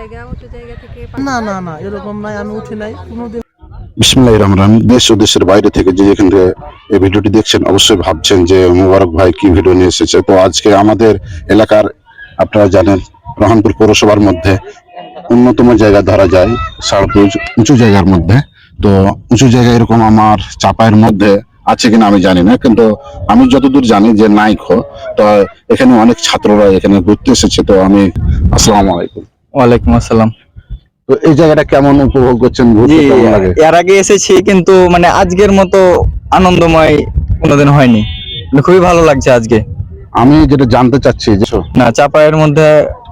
উঁচু জায়গা থেকে না না না এরকম নাই, আমি উঠি নাই কোনোদিন। বিসমিল্লাহির রহমানির রহিম। দেশ ও দেশের বাইরে থেকে যে যেখান থেকে এই ভিডিওটি দেখছেন অবশ্যই ভাবছেন যে মোবারক ভাই কি ভিডিও নিয়ে এসেছে। তো আজকে আমাদের এলাকার, আপনারা জানেন, রহনপুর পৌরসভার মধ্যে অন্যতম জায়গা ধরা যায় সারপুজ, উঁচু জায়গার মধ্যে। তো উঁচু জায়গা এরকম আমার চাপায়ের মধ্যে আছে কিনা আমি জানি না, কিন্তু আমি যতদূর জানি যে নাইখো। তো এখানে অনেক ছাত্ররা এখানে ঘুরতে এসেছে। তো আমি, আসসালামু আলাইকুম। ওয়ালাইকুম আসসালাম। তো এই জায়গাটা কেমন উপভোগ করছেন, ঘুরতে কেমন লাগে? এর আগে এসেছি কিন্তু মানে আজকের মতো আনন্দময় কোনোদিন হয়নি, খুবই ভালো লাগছে আজকে। আমি যেটা জানতে চাচ্ছি যে না, চাপায়ের মধ্যে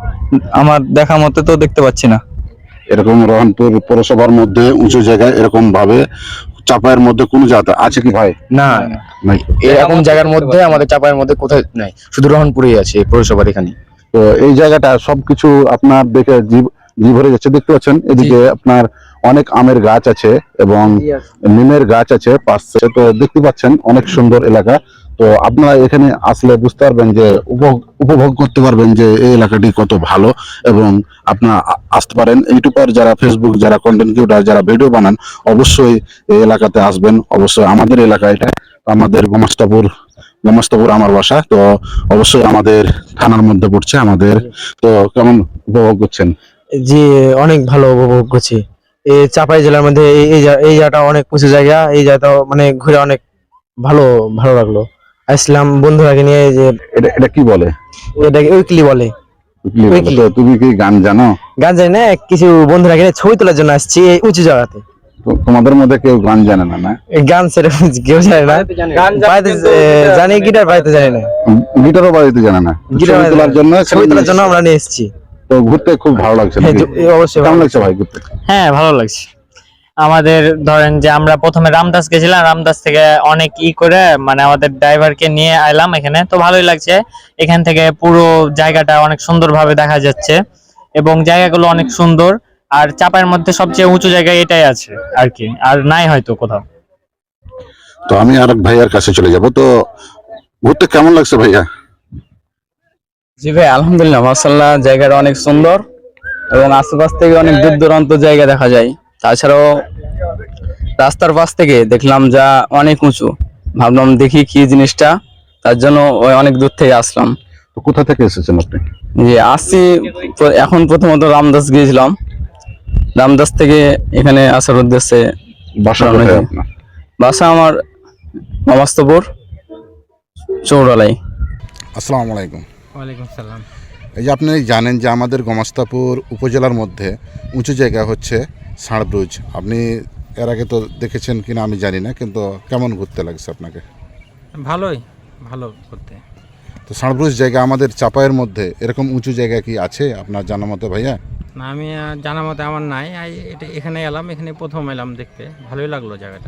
আমার দেখা মতে তো দেখতে পাচ্ছি না এরকম রহনপুর পৌরসভার মধ্যে উঁচু জায়গায় এরকম ভাবে চাপায়ের মধ্যে কোন জায়গা আছে কি ভাই? না, নাই। এরকম জায়গার মধ্যে আমাদের চাপায়ের মধ্যে কোথায় নাই, শুধু রহনপুরেই আছে এই পৌরসভার এখানে। তো এই জায়গাটা সবকিছু আপনার দেখে জীব ভরে যাচ্ছে। দেখতে পাচ্ছেন এদিকে আপনার অনেক আমের গাছ আছে এবং নিমের গাছ আছে পাশে। তো দেখতে পাচ্ছেন অনেক সুন্দর এলাকা। তো আপনারা এখানে আসলে বুঝতে পারবেন যে উপভোগ করতে পারবেন যে এই এলাকাটি কত ভালো। এবং আপনারা আসতে পারেন, ইউটিউবার যারা, ফেসবুক যারা, কন্টেন্ট ক্রিয়েটর যারা ভিডিও বানান, অবশ্যই এই এলাকাতে আসবেন। অবশ্যই আমাদের এলাকা এটা, আমাদের গোমাস্তাপুর আমার বাসা। তো অবশ্যই আমাদের থানার মধ্যে পড়ছে আমাদের। তো কেমন উপভোগ করছেন? জি, অনেক ভালো উপভোগ করছি। এই চাপাই জেলার মধ্যে এই জায়গাটা অনেক উঁচু জায়গা। এই জায়গাটা মানে ঘুরে অনেক ভালো ভালো লাগলো। আসলাম বন্ধুরাকে নিয়ে। যে এটা কি বলে? এটাকে উইকলি বলে। তো তুমি কি গান জানো? গান জানি না, কিছু বন্ধুরাকে নিয়ে ছবি তোলার জন্য আসছি এই উঁচু জায়গাতে। তোমাদের মধ্যে কেউ গান জানে না? না, গান সেরকম কেউ জানে না। বাড়িতে জানি, গিটার বাড়িতে জানি না, গিটারও বাজাতে জানে না। গিটার ছবি তোলার জন্য আমরা নিয়ে এসেছি। তো ঘুরতে খুব ভালো লাগছে হ্যাঁ, নাকি? অবশ্যই কেমন লাগছে ভাই ঘুরতে? হ্যাঁ, ভালো লাগছে। আমাদের ধরেন যে আমরা প্রথমে রামদাস গেছিলাম, রামদাস থেকে অনেক করে মানে আমাদের ড্রাইভারকে নিয়ে আইলাম এখানে। তো ভালোই লাগছে, এখান থেকে পুরো জায়গাটা অনেক সুন্দরভাবে দেখা যাচ্ছে এবং জায়গাগুলো অনেক সুন্দর। আর চাপায়ের মধ্যে সবচেয়ে উঁচু জায়গা এটাই আছে আর কি, আর নাই হয়তো কোথাও। তো আমি আরেক ভাইয়ার কাছে চলে যাব। তো ঘুরতে কেমন লাগছে ভাইয়া? জি ভাই, আলহামদুলিল্লাহ, মাশাআল্লাহ, জায়গাটা অনেক সুন্দর এবং আশেপাশ থেকে অনেক দূর দূরান্ত জায়গা দেখা যায়। তাছাড়াও রাস্তার পাশ থেকে দেখলাম যা অনেক উঁচু, ভাবলাম দেখি কি জিনিসটা, তার জন্য ওই অনেক দূর থেকে আসলাম। তো কোথা থেকে এসেছেন আপনি? যে আসছি এখন প্রথমত রামদাস গিয়েছিলাম, রামদাস থেকে এখানে আসার উদ্দেশ্যে। বাসা কোথায় আপনার? বাসা আমার গোমাস্তাপুর চৌরালাই। আসসালামু আলাইকুম। ওয়ালাইকুম সালাম। এই যে আপনি জানেন যে আমাদের গোমাস্তাপুর উপজেলার মধ্যে উঁচু জায়গা হচ্ছে সারব্রুজ। আপনি এর আগে তো দেখেছেন কিনা আমি জানি না, কিন্তু কেমন ঘুরতে লাগছে আপনাকে? ভালোই, ভালো করতে। তো সারব্রুজ জায়গা আমাদের চাপায়ের মধ্যে এরকম উঁচু জায়গা কি আছে আপনার জানা মতো ভাইয়া? না, আমি জানা মতে আমার নাই। এটা এখানে এলাম, এখানে প্রথম এলাম দেখতে, ভালোই লাগলো জায়গাটা।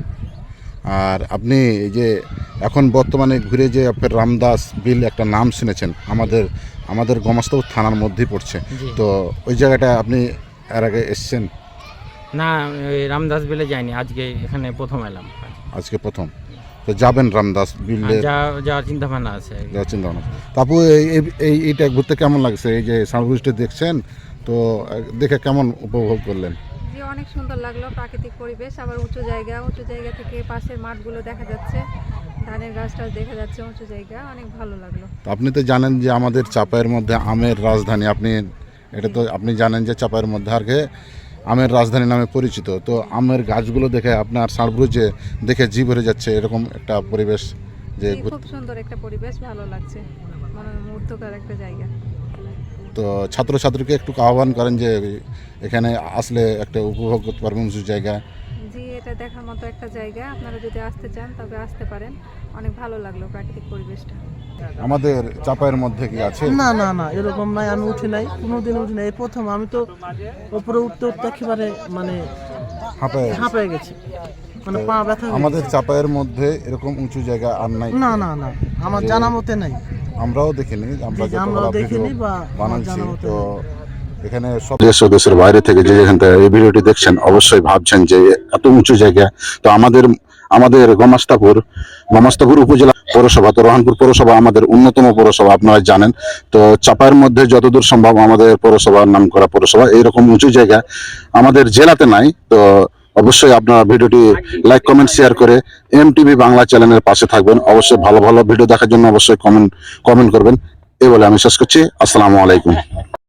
আর আপনি এই যে এখন বর্তমানে ঘুরে যে আপনার রামদাস বিল একটা নাম শুনেছেন, আমাদের গোমাস্তাপুর থানার মধ্যেই পড়ছে। তো ওই জায়গাটা আপনি এর আগে এসছেন? না, ওই রামদাস বিলে যাইনি, আজকে এখানে প্রথম এলাম। আজকে প্রথম? তো যাবেন রামদাস বিলে? যাওয়ার চিন্তা ভাবনা আছে। যাওয়ার চিন্তা ভাবনা। তারপর এইটা ঘুরতে কেমন লাগছে? এই যে সানব্রিজটা দেখছেন, তো দেখে কেমন উপভোগ করলেন? যে অনেক সুন্দর লাগলো, প্রাকৃতিক পরিবেশ, আবার উঁচু জায়গা থেকে পাশের মাঠগুলো দেখা যাচ্ছে, ধানের গাছটা দেখা যাচ্ছে, উঁচু জায়গা, অনেক ভালো লাগলো। তো আপনি তো জানেন যে আমাদের চাপায়ের মধ্যে আমের রাজধানী। এটা তো আপনি জানেন যে চাপায়ের মধ্যে আর কি আমের রাজধানী নামে পরিচিত। তো আমের গাছগুলো দেখে আপনার সারব্রুজে দেখে জি ভরে যাচ্ছে, এরকম একটা পরিবেশ। যে খুব সুন্দর একটা পরিবেশ, ভালো লাগছে, মনোমুগ্ধকর একটা জায়গা। তো ছাত্রছাত্রীকে একটু আহ্বান করেন যে এখানে আসলে একটা উপভোগ করতে পারবেন উঁচু জায়গা। জি, এটা দেখার মতো একটা জায়গা, আপনারা যদি আসতে চান তবে আসতে পারেন, অনেক ভালো লাগলো প্রাকৃতিক পরিবেশটা। আমাদের চাপায়ের মধ্যে কি আছে? না না না এরকম নাই, আমি উঠি নাই কোনোদিন, উঠি নাই, এই প্রথম। আমি তো উপরে উঠতে উঠতে একেবারে মানে হাঁপায়ে গেছি, মানে পা ব্যথা হয়ে আমাদের গেছে। চাপায়ের মধ্যে এরকম উঁচু জায়গা আর নাই? না না না, আমার জানা মতে নাই। আমরাও দেখিনি, আমরা আমরাও দেখিনি বা বানাচ্ছি। তো এখানে সব দেশ ও দেশের বাইরে থেকে যে যেখান থেকে এই ভিডিওটি দেখছেন অবশ্যই ভাবছেন যে এত উঁচু জায়গা। তো আমাদের গোমাস্তাপুর উপজেলা পৌরসভা। তো রহনপুর পৌরসভা আমাদের অন্যতম পৌরসভা, আপনারা জানেন। তো চাপায়ের মধ্যে যতদূর সম্ভব আমাদের পৌরসভার নাম করা পৌরসভা, এইরকম উঁচু জায়গা আমাদের জেলাতে নাই। তো অবশ্যই আপনারা ভিডিওটি লাইক, কমেন্ট, শেয়ার করে MTV বাংলা চ্যানেলের পাশে থাকবেন। অবশ্যই ভালো ভালো ভিডিও দেখার জন্য অবশ্যই কমেন্ট করবেন। এই বলে আমি শেষ করছি। আসসালামু আলাইকুম।